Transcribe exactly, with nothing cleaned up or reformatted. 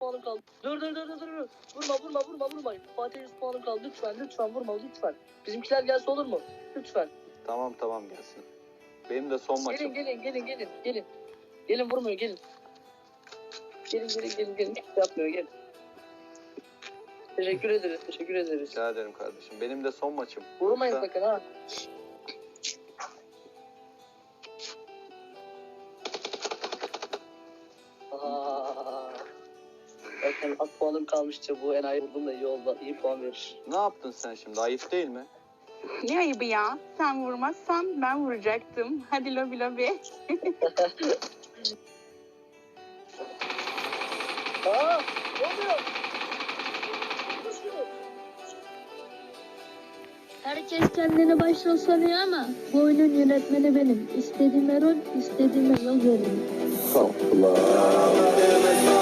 puanım kaldı. Dur dur dur dur dur. Vurma vurma vurma vurma. Fatih yüz puanım kaldı. Lütfen lütfen vurma lütfen. Bizimkiler gelse olur mu? Lütfen. Tamam tamam gelsin. Benim de son maçım. Gelin gelin gelin gelin gelin. Gelin vurmuyor gelin. Gelin gelin gelin gelin. Yapmıyor gelin. Teşekkür ederiz teşekkür ederiz. Rica ederim kardeşim. Benim de son maçım. Vurmayın Yoksa- sakın ha. Aa, zaten az puanım kalmıştı, bu enayi vurdum da iyi oldu, iyi puan verir. Ne yaptın sen şimdi? Ayıp değil mi? Ne ayıbı ya? Sen vurmazsan ben vuracaktım. Hadi lobi lobi. Aa, ne oluyor? Koşuyor. Herkes kendini başrol sanıyor ama bu oyunun yönetmeni benim. İstediğime rol, istediğime yol veririm. Allah.